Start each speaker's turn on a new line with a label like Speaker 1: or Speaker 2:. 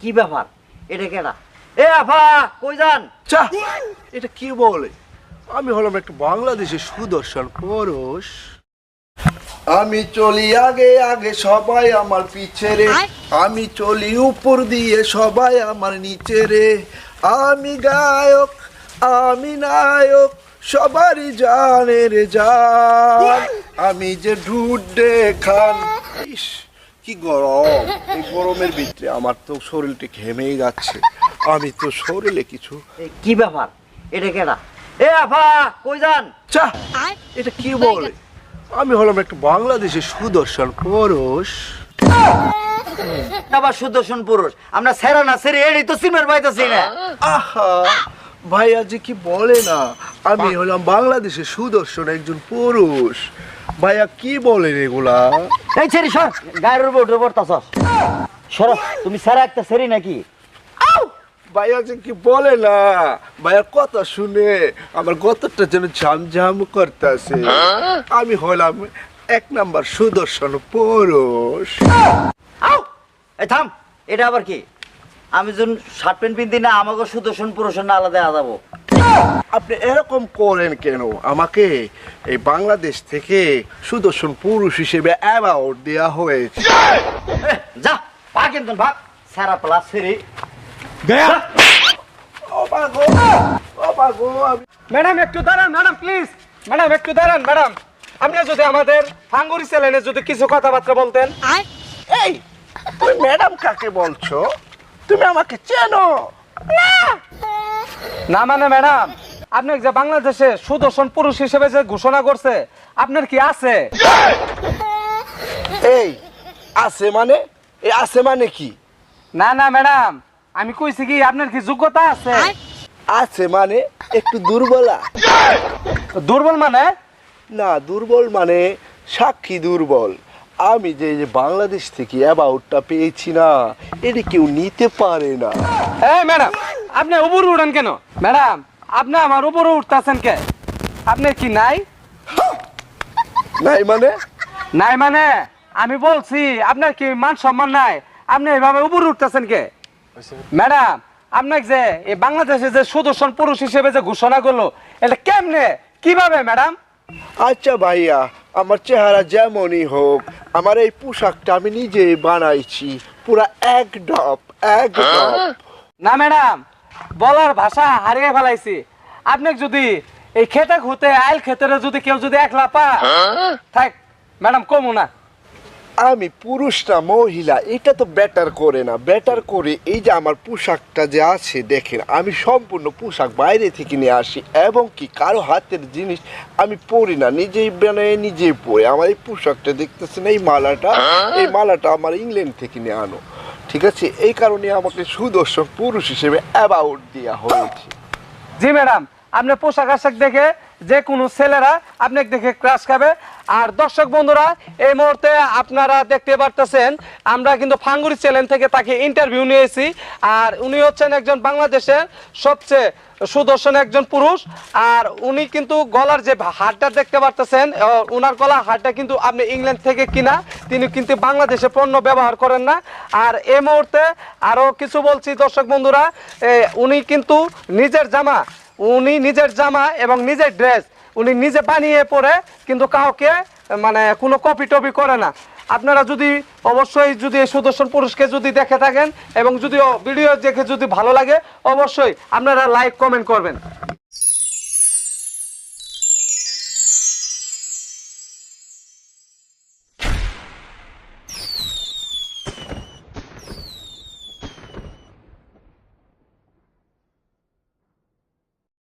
Speaker 1: কি ব্যাপার? এটা কেডা? এ আফা কই যান?
Speaker 2: চা, এটা কি বলে? আমি হলাম একটা বাংলাদেশের সুদর্শন পুরুষ। আমি চলি আগে আগে সবাই আমার পিছে রে, আমি চলি উপর দিয়ে সবাই আমার নিচে রে। আমি গায়ক, আমি নায়ক, সবারই জানে রে জান। আমি যে ঢুডে খান। ইস কি গরম! এই গরমের ভিতরে আমার তো শরীরটা ঘেমেই যাচ্ছে। আমি তো শরীরে কিছু।
Speaker 1: কি ব্যাপার? এটা কেডা? এ আফা কই যান?
Speaker 2: চা, এটা কি বলে? আমি হলাম একটা বাংলাদেশের সুদর্শন পুরুষ।
Speaker 1: আবার সুদর্শন পুরুষ? আমরা সেরা না সেরে এটাই তো সিমের পাইতেছি না।
Speaker 2: আহা, ভাইয়া যে কি বলে না, আমি হলাম বাংলাদেশের সুদর্শন একজন পুরুষ। ভাইয়া কি বলেন এগুলা?
Speaker 1: এই ছেড়ি সর, গায়ের উপর উঠে পড়তাছস। সরো, তুমি সেরা একটা সেরি নাকি?
Speaker 2: ভাইয়া যে কি বলে না, ভাইয়া কথা শুনে আমার গতটা যেন ঝামঝাম করতেছে। আমি হলাম এক নাম্বার সুদর্শন পুরুষ।
Speaker 1: আউ! এই থাম, এটা আবার কি? আমি যখন শার্ট প্যান্ট পিন্দি না, আমাকে সুদর্শন পুরুষের না আলাদা যাবো।
Speaker 2: আপনি এরকম করেন কেন? আমাকে এই বাংলাদেশ থেকে সুদর্শন পুরুষ হিসেবে অ্যাওয়ার্ড দেওয়া হয়েছে।
Speaker 1: যা, পা কিন্তু ভাগ, সেরা প্লাস সেরি।
Speaker 2: ও বাগো, ও বাগো,
Speaker 3: ম্যাডাম একটু দাঁড়ান, ম্যাডাম প্লিজ, ম্যাডাম একটু দাঁড়ান। ম্যাডাম আপনি যদি আমাদের হাঙ্গুরি চ্যানেলে যদি কিছু কথাবার্তা বলতেন।
Speaker 2: এই তুমি ম্যাডাম কাকে বলছো? তুমি আমাকে চেনো?
Speaker 3: না মানে ম্যাডাম, আপনি যে বাংলাদেশে সুদর্শন পুরুষ হিসেবে যে ঘোষণা করছে, আপনার কি আছে?
Speaker 2: এই আছে মানে? এই আছে মানে কি?
Speaker 3: না না ম্যাডাম, আমি কইছি কি আপনার কি যোগ্যতা আছে?
Speaker 2: আছে মানে একটু দুর্বলা।
Speaker 3: দুর্বল মানে?
Speaker 2: না, দুর্বল মানে সাক্ষী দুর্বল। আমি যে এই যে বাংলাদেশ থেকে অ্যাওয়ার্ডটা পেয়েছি না, এটা কেউ নিতে পারে না।
Speaker 3: এই ম্যাডাম, আপনি উপরে উঠেন কেন? ম্যাডাম আপনি আমার উপরে উঠতেছেন কে? আপনার কি নাই?
Speaker 2: নাই মানে?
Speaker 3: নাই মানে আমি বলছি আপনার কি মান সম্মান নাই? আপনি এইভাবে উপরে উঠতেছেন কে? ম্যাডাম আপনাকে যে এই বাংলাদেশে যে সুদর্শন পুরুষ হিসেবে যে ঘোষণা করলো, এটা কেমনে কিভাবে ম্যাডাম?
Speaker 2: আচ্ছা ভাইয়া, আমার চেহারা যেমনই হোক, আমার এই পোশাকটা আমি নিজেই বানাইছি, পুরা এক ডপ এক ডপ।
Speaker 3: না ম্যাডাম, বলার ভাষা হারিয়ে ফেলাইছি। আপনাকে যদি এই খেতে খুঁতে আইল খেতে যদি কেউ যদি একলা পা থাক ম্যাডাম কমু না।
Speaker 2: আমি পুরুষ না মহিলা এটা তো ব্যাটার করে না, ব্যাটার করে এই যে আমার পোশাকটা যে আছে দেখেন, আমি সম্পূর্ণ পোশাক বাইরে থেকে নিয়ে আসি এবং কি কারো হাতের জিনিস আমি পরি না, নিজেই বানাই নিজেই পরি। আমার এই পোশাকটা দেখতেছেন, এই মালাটা, এই মালাটা আমার ইংল্যান্ড থেকে নিয়ে আনো, ঠিক আছে? এই কারণে আমাকে সুদর্শন পুরুষ হিসেবে অ্যাওয়ার্ড দেওয়া হয়েছে।
Speaker 3: জি ম্যাডাম, আপনার পোশাক আশাক দেখে যে কোনো ছেলেরা আপনাকে দেখে ক্রাশ খাবে। আর দর্শক বন্ধুরা, এই মুহূর্তে আপনারা দেখতে পারতেছেন আমরা কিন্তু ফাঙ্গুরি চ্যানেল থেকে তাকে ইন্টারভিউ নিয়েছি। আর উনি হচ্ছেন একজন বাংলাদেশের সবচেয়ে সুদর্শন একজন পুরুষ। আর উনি কিন্তু গলার যে হারটা দেখতে পারতেছেন, ওনার গলার হারটা কিন্তু আপনি ইংল্যান্ড থেকে কিনা, তিনি কিন্তু বাংলাদেশে পণ্য ব্যবহার করেন না। আর এই মুহূর্তে আরও কিছু বলছি দর্শক বন্ধুরা, উনি কিন্তু নিজের জামা এবং নিজের ড্রেস উনি নিজে বানিয়ে পরে কিন্তু কাউকে মানে কোনো কপি টপি করে না। আপনারা যদি অবশ্যই যদি এই সুদর্শন পুরুষকে যদি দেখে থাকেন এবং যদি ভিডিও দেখে যদি ভালো লাগে, অবশ্যই আপনারা লাইক কমেন্ট করবেন।